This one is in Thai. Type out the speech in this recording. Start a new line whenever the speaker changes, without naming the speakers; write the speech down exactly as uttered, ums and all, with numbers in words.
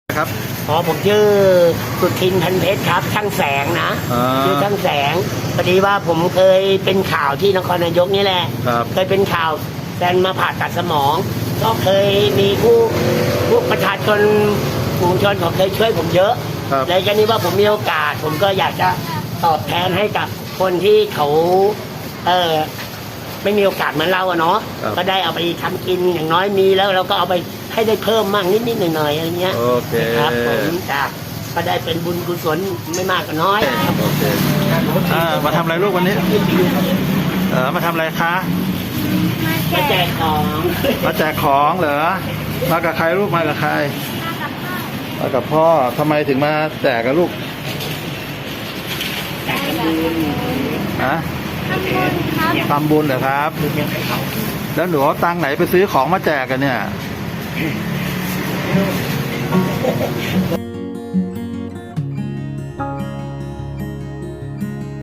ครับ
อ๋อผมชื่อสุทินพันเพชรครับช่างแสงนะชื่อช่างแสงพอดีว่าผมเคยเป็นข่าวที่นครนายกนี่แหละเคยเป็นข่าวแฟนมาผ่าตัดสมองก็เคยมีผู้ผู้ประชาชนผู้ชนเขาเคยช่วยผมเยอะเลยก็นี้ว่าผมมีโอกาสผมก็อยากจะตอบแทนให้กับคนที่เขาเออไม่มีโอกาสเหมือนเราอะเนาะก็ได้เอาไปทำกินอย่างน้อยมีแล้วเราก็เอาไปให้ได้เพิ่มมากนิดๆหน่อยๆอะไรเงี้ย
โอเค
ครับผมจ้ะก็ได้เป็นบุญกุศลไม่มากก็น้อย
โอเคอ่ามาทำอะไรลูกวันนี้เออมาทำอะไรคะ
มาแจกของ
มาแจกของเหรอมากับใครลูกมากับใครมากับพ่อทำไมถึงมาแจกกับลูก
แจกบุญ
ฮะ
ทำบุญครับ
ทำบุญเหรอครับแล้วหนูเอาตังค์ไหนไปซื้อของมาแจกกันเนี่ย